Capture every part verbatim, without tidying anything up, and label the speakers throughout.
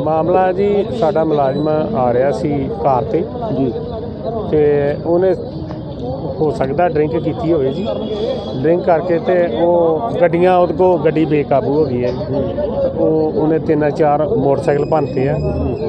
Speaker 1: ਮਾਮਲਾ ਜੀ ਸਾਡਾ ਮੁਲਾਜ਼ਮ ਆ ਰਿਹਾ ਸੀ ਕਾਰ ਤੇ ਜੀ ਤੇ ਉਹਨੇ ਹੋ ਸਕਦਾ ਡਰਿੰਕ ਕੀਤੀ ਹੋਵੇ ਜੀ। ਡਰਿੰਕ ਕਰਕੇ ਤੇ ਉਹ ਗੱਡੀਆਂ ਉਹਦੇ ਕੋਲ ਗੱਡੀ ਬੇਕਾਬੂ ਹੋ ਗਈ ਹੈ। ਉਹ ਉਹਨੇ ਤਿੰਨ ਚਾਰ ਮੋਟਰਸਾਈਕਲ ਭੰਨਤੇ ਆ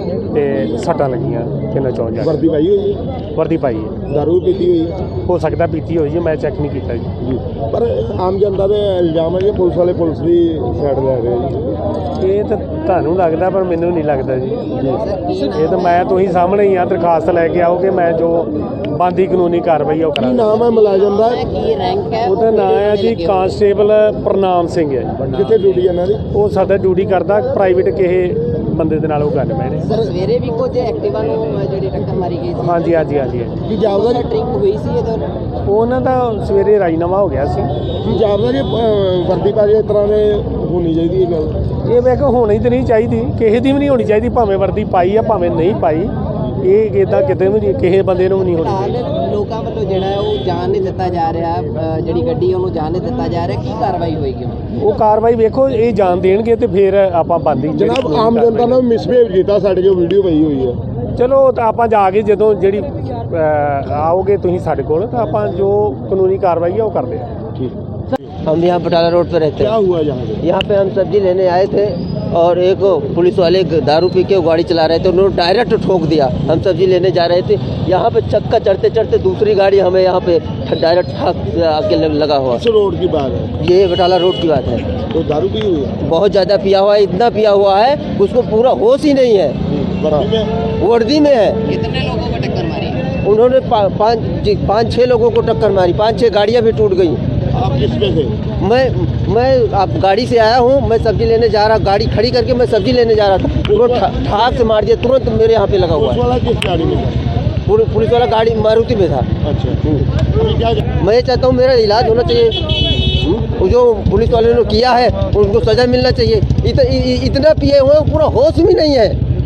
Speaker 1: ਤੇ ਸੱਟਾਂ ਲੱਗੀਆਂ ਤਿੰਨ ਚੌਂ ਜਾ।
Speaker 2: ਵਰਦੀ ਪਾਈ ਹੋਈ ਹੈ?
Speaker 1: ਵਰਦੀ ਪਾਈ ਹੈ।
Speaker 2: ਦਾਰੂ ਪੀਤੀ ਹੋਈ ਹੈ?
Speaker 1: ਹੋ ਸਕਦਾ ਪੀਤੀ ਹੋਈ ਜੀ, ਮੈਂ ਚੈੱਕ ਨਹੀਂ ਕੀਤਾ ਜੀ।
Speaker 2: ਪਰ ਆਮ ਜਨਤਾ ਦੇ ਇਲਜ਼ਾਮ ਹੈ ਕਿ ਪੁਲਿਸ ਵਾਲੇ ਪੁਲਿਸ ਦੀ ਸਾਈਡ ਲੈ ਰਹੇ ਜੀ।
Speaker 1: ਇਹ ਤਾਂ ਤੁਹਾਨੂੰ ਲੱਗਦਾ ਪਰ ਮੈਨੂੰ ਨਹੀਂ ਲੱਗਦਾ ਜੀ। ਇਹ ਤਾਂ ਮੈਂ ਤੁਸੀਂ ਸਾਹਮਣੇ ਹੀ ਆ, ਦਰਖਾਸਤ ਲੈ ਕੇ ਆਓਗੇ, ਮੈਂ ਜੋ ਬਣਦੀ ਕਾਨੂੰਨੀ ਕਾਰਵਾਈ ਉਹ
Speaker 2: ਕੀ
Speaker 1: ਕਰਾਂਗਾ।
Speaker 2: ਨਾਮ ਹੈ ਮੁਲਾਜ਼ਮ ਦਾ?
Speaker 3: ਕੀ ਰੈਂਕ ਹੈ
Speaker 1: ਉਹਦਾ ਨਾਮ ਹੈ ਜੀ ਕਾਂਸਟੇਬਲ ਪ੍ਰਨਾਮ ਸਿੰਘ ਹੈ।
Speaker 2: ਕਿੱਥੇ ਡਿਊਟੀ ਇਹਨਾਂ ਦੀ?
Speaker 1: ਉਹ ਸਾਡਾ ਡਿਊਟੀ ਕਰਦਾ ਪ੍ਰਾਈਵੇਟ ਕਿਸੇ ਬੰਦੇ ਦੇ ਨਾਲ ਉਹ ਗੱਲ ਮੈਂ ਨੇ।
Speaker 3: ਸਰ ਸਵੇਰੇ ਵੀ ਕੁਝ ਐਕਟਿਵਾ ਨੂੰ ਜਿਹੜੀ ਟੱਕਰ ਮਾਰੀ ਗਈ ਸੀ।
Speaker 1: ਹਾਂਜੀ ਹਾਂਜੀ ਹਾਂਜੀ ਹਾਂਜੀ।
Speaker 2: ਕੀ ਜਾਪਦਾ
Speaker 3: ਡਰਿੰਕ ਹੋਈ ਸੀ ਇਹਦੇ
Speaker 1: ਉਹਨਾਂ ਦਾ ਸਵੇਰੇ ਰਾਜੀਨਾਮਾ ਹੋ ਗਿਆ ਸੀ।
Speaker 2: ਕੀ ਜਾਪਦਾ ਕਿ ਅਹ, ਵਰਦੀ ਪਾ ਕੇ ਇਸ ਤਰ੍ਹਾਂ ਦੇ ਹੋਣੀ ਚਾਹੀਦੀ ਹੈ ਗੱਲ?
Speaker 1: ਇਹ ਮੈਂ ਕਿਹਾ ਹੋਣੀ ਤਾਂ ਨਹੀਂ ਚਾਹੀਦੀ, ਕਿਸੇ ਦੀ ਵੀ ਨਹੀਂ ਹੋਣੀ ਚਾਹੀਦੀ, ਭਾਵੇਂ ਵਰਦੀ ਪਾਈ ਆ ਭਾਵੇਂ ਨਹੀਂ ਪਾਈ। ਇਹ ਇੱਦਾਂ ਕਿਤੇ ਵੀ ਨਹੀਂ, ਕਿਸੇ ਬੰਦੇ ਨੂੰ ਵੀ ਨਹੀਂ ਹੋਣੀ ਚਾਹੀਦੀ।
Speaker 3: ਫਿਲਹਾਲ ਲੋਕਾਂ ਵੱਲੋਂ ਜਿਹੜਾ ਹੈ ਉਹ ਜਾਣ ਨਹੀਂ ਦਿੱਤਾ ਜਾ ਰਿਹਾ, ਅ, ਜਿਹੜੀ ਗੱਡੀ ਉਹਨੂੰ ਜਾਣ ਨਹੀਂ ਦਿੱਤਾ ਜਾ ਰਿਹਾ। ਕੀ ਕਾਰਵਾਈ ਹੋਏਗੀ ਹੁਣ?
Speaker 1: ਉਹ ਕਾਰਵਾਈ ਵੇਖੋ, ਇਹ ਜਾਣ ਦੇਣਗੇ ਤੇ ਫਿਰ ਆਪਾਂ ਬੰਦੀ
Speaker 2: ਜਨਾਬ ਆਮ ਜਨਤਾ ਨੇ ਮਿਸਬਿਹੇਵ ਕੀਤਾ ਸਾਡੇ ਜੋ ਵੀਡੀਓ ਪਈ ਹੋਈ ਹੈ।
Speaker 1: ਚਲੋ ਤਾਂ ਆਪਾਂ ਜਾ ਕੇ ਜਦੋਂ ਜਿਹੜੀ ਅ, ਆਓਗੇ ਤੁਸੀਂ ਸਾਡੇ ਕੋਲ ਤਾਂ ਆਪਾਂ ਜੋ ਕਾਨੂੰਨੀ ਕਾਰਵਾਈ ਹੈ ਉਹ ਕਰਦੇ ਹਾਂ।
Speaker 2: ठीक।
Speaker 4: हम यहाँ बटाला रोड पे रहते
Speaker 2: क्या
Speaker 4: हैं।
Speaker 2: हुआ यहाँ पे?
Speaker 4: यहाँ पे हम सब्जी लेने आए थे और एक पुलिस वाले दारू पी के गाड़ी चला रहे थे, उन्होंने डायरेक्ट ठोक दिया। हम सब्जी लेने जा रहे थे, यहाँ पे चक्का चढ़ते चढ़ते दूसरी गाड़ी हमें यहाँ पे डायरेक्ट ठाक आके लगा हुआ।
Speaker 2: किस रोड की बात है?
Speaker 4: ये बटाला रोड की बात है।
Speaker 2: तो दारू पी हुई है?
Speaker 4: बहुत ज़्यादा पिया हुआ है, इतना पिया हुआ है उसको पूरा होश ही नहीं है।
Speaker 2: वर्दी में?
Speaker 4: वर्दी में है।
Speaker 3: कितने लोगों को टक्कर मारी?
Speaker 4: उन्होंने पा, पाँच जी पाँच छः लोगों को टक्कर मारी, पाँच छः गाड़ियाँ भी टूट गई।
Speaker 2: आप किस पे थे?
Speaker 4: मैं मैं आप गाड़ी से आया हूँ, मैं सब्जी लेने जा रहा, गाड़ी खड़ी करके मैं सब्जी लेने जा रहा था, तुरंत ठा- ठाक से मार दिया, तुरंत मेरे यहाँ पे लगा हुआ
Speaker 2: पुलिस
Speaker 4: है।
Speaker 2: वाला किस गाड़ी में था?
Speaker 4: पुल- पुलिस वाला गाड़ी मारुति में था।
Speaker 2: अच्छा। अभी क्या
Speaker 4: मैं ये चाहता हूँ मेरा इलाज होना चाहिए। हम्म, जो पुलिस वाले ने किया है उनको सजा मिलना चाहिए। इत, इ, इ, इतना पिए हुए हैं, पूरा होश भी नहीं है।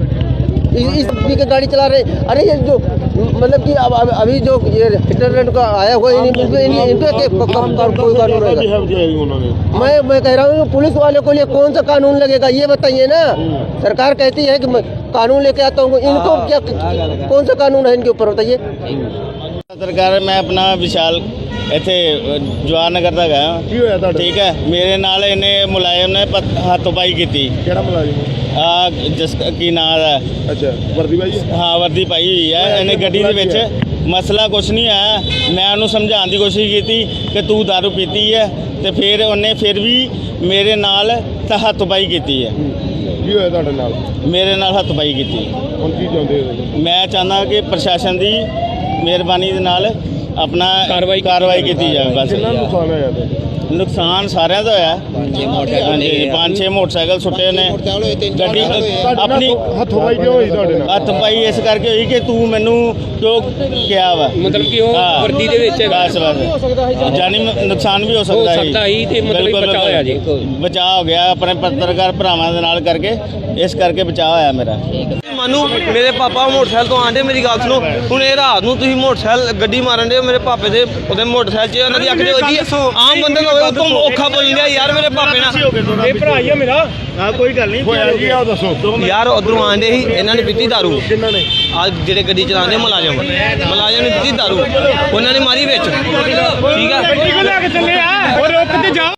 Speaker 4: इस इस पी के गाड़ी चला रहे। अरे ये जो मतलब कि अब अब- अभी जो ये हिटलर का आया हुआ है, इन- इनको इन- इनको के- क- क- क- कोई कानून रहेगा?
Speaker 2: बिहेव किया है उन्होंने?
Speaker 4: मैं मैं कह रहा हूँ पुलिस वाले को लिए कौन सा कानून लगेगा ये बताइए ना। सरकार कहती है कि मैं कानून लेके आता हूँ, इनको क्या कौन सा कानून है इनके ऊपर बताइए।
Speaker 5: ਸਰਕਾਰ ਮੈਂ ਆਪਣਾ ਵਿਸ਼ਾਲ ਇੱਥੇ ਜਵਾਹਰ ਨਗਰ ਦਾ ਗਿਆ।
Speaker 2: ਕੀ ਹੋਇਆ ਤੁਹਾਡੇ?
Speaker 5: ਠੀਕ ਹੈ, ਮੇਰੇ ਨਾਲ ਇਹਨੇ ਮੁਲਾਜ਼ਮ ਨੇ ਪਤ- ਹੱਥੋਂ-ਪਾਈ ਕੀਤੀ।
Speaker 2: ਕਿਹੜਾ ਮੁਲਾਜ਼ਮ?
Speaker 5: ਆ ਜਿਸ ਕੀ ਨਾਂ ਹੈ,
Speaker 2: ਅੱਛਾ, ਵਰਦੀ ਭਾਈ?
Speaker 5: ਹਾਂ ਵਰਦੀ ਪਾਈ ਹੋਈ ਹੈ ਇਹਨੇ ਗੱਡੀ ਦੇ ਵਿੱਚ। ਮਸਲਾ ਕੁਛ ਨਹੀਂ ਆਇਆ, ਮੈਂ ਉਹਨੂੰ ਸਮਝਾਉਣ ਦੀ ਕੋਸ਼ਿਸ਼ ਕੀਤੀ ਕਿ ਤੂੰ ਦਾਰੂ ਪੀਤੀ ਹੈ ਤੇ ਫਿਰ ਉਹਨੇ ਫਿਰ ਵੀ ਮੇਰੇ ਨਾਲ ਤਾਂ ਹੱਥੋਂ-ਪਾਈ ਕੀਤੀ ਹੈ।
Speaker 2: ਕੀ ਹੋਇਆ ਤੁਹਾਡੇ ਨਾਲ?
Speaker 5: ਮੇਰੇ ਨਾਲ ਹੱਥੋਂ-ਪਾਈ ਕੀਤੀ।
Speaker 2: ਹੁਣ ਕੀ ਚਾਹੁੰਦੇ ਹੋ?
Speaker 5: ਮੈਂ ਚਾਹੁੰਦਾ ਕਿ ਪ੍ਰਸ਼ਾਸਨ ਦੀ ਮਿਹਰਬਾਨੀ ਦੇ ਨਾਲ ਆਪਣਾ ਕਾਰਵਾਈ ਕਾਰਵਾਈ ਕੀਤੀ ਜਾਵੇ। ਬਸ
Speaker 2: ਕਿੰਨਾ ਨੁਕਸਾਨ ਹੋਇਆ ਤੇ?
Speaker 5: ਨੁਕਸਾਨ ਸਾਰਿਆਂ ਦਾ ਹੋਇਆ। ਹਾਂਜੀ, ਪੰਜ ਛੇ ਮੋਟਰਸਾਈਕਲ ਸੁੱਟੇ ਨੇ। ਗੱਡੀ ਆਪਣੀ
Speaker 2: ਹੱਥੋਂ ਪਾਈ ਕਿਉਂ ਹੋਈ ਤੁਹਾਡੇ ਨਾਲ?
Speaker 5: ਹੱਥ ਪਾਈ ਇਸ ਕਰਕੇ ਹੋਈ ਕਿ ਤੂੰ ਮੈਨੂੰ ਕਿਉਂ ਕਿਹਾ ਵਾ,
Speaker 6: ਮਤਲਬ ਕਿ ਉਹ
Speaker 5: ਹਾਂ।
Speaker 6: ਵਰਦੀ ਦੇ ਵਿੱਚ ਹੈਗਾ।
Speaker 5: ਬਸ ਬਸ ਜਾਨੀ ਨੁਕਸਾਨ ਵੀ ਹੋ
Speaker 6: ਹੋ
Speaker 5: ਸਕਦਾ
Speaker 6: ਸਕਦਾ ਹੀ ਤੇ ਮਤਲਬ
Speaker 5: ਬਿਲਕੁਲ,
Speaker 6: ਬਚਾਅ ਹੋਇਆ ਜੀ।
Speaker 5: ਬਚਾਅ ਹੋ ਗਿਆ ਆਪਣੇ ਪੱਤਰਕਾਰ ਭਰਾਵਾਂ ਦੇ ਨਾਲ ਕਰਕੇ, ਇਸ ਕਰਕੇ ਬਚਾਅ ਹੋਇਆ ਮੇਰਾ।
Speaker 7: ਮਾਨੂੰ ਮੇਰੇ ਪਾਪਾ ਮੋਟਰਸਾਈਕਲ ਤੋਂ ਆਂਦੇ, ਮੇਰੀ ਗੱਲ ਸੁਣੋ। ਹੁਣ ਇਹ ਰਾਤ ਨੂੰ ਤੁਸੀਂ ਮੋਟਰਸਾਈਕਲ ਗੱਡੀ ਮਾਰਨ ਦੇ ਮੇਰੇ ਪਾਪੇ ਦੇ ਉਹਦੇ ਮੋਟਰਸਾਈਕਲ 'ਚ ਉਹਨਾਂ ਦੀ ਅੱਖ ਦੇ ਵੱਜੀ। ਆਮ ਬੰਦੇ ਨੂੰ ਹੋਵੇ ਉਹ ਤੋਂ ਔਖਾ ਬੋਲ ਰਿਹਾ ਯਾਰ ਮੇਰੇ ਪਾਪੇ ਨਾਲ।
Speaker 1: ਇਹ ਭਰਾ ਹੀ ਆ ਮੇਰਾ।
Speaker 5: ਹਾਂ ਕੋਈ ਗੱਲ ਨਹੀਂ
Speaker 2: ਹੋਇਆ ਜੀ, ਆਓ ਦੱਸੋ।
Speaker 7: ਯਾਰ ਉਧਰੋਂ ਆਂਦੇ ਸੀ, ਇਹਨਾਂ ਨੇ ਪੀਤੀ ਦਾਰੂ।
Speaker 2: ਕਿੰਨਾਂ ਨੇ?
Speaker 7: ਆ ਜਿਹੜੇ ਗੱਡੀ ਚਲਾਉਂਦੇ ਮੁਲਾਜ਼ਮ ਮੁਲਾਜ਼ਮ ਨੇ ਪੀਤੀ ਦਾਰੂ, ਉਹਨਾਂ ਨੇ ਮਾਰੀ ਵਿੱਚ। ਠੀਕ ਆ,
Speaker 1: ਗੱਡੀ ਕੋ ਲੈ ਕੇ ਚੱਲੇ ਆ, ਉਹ ਰੁਕ ਤੇ ਜਾ।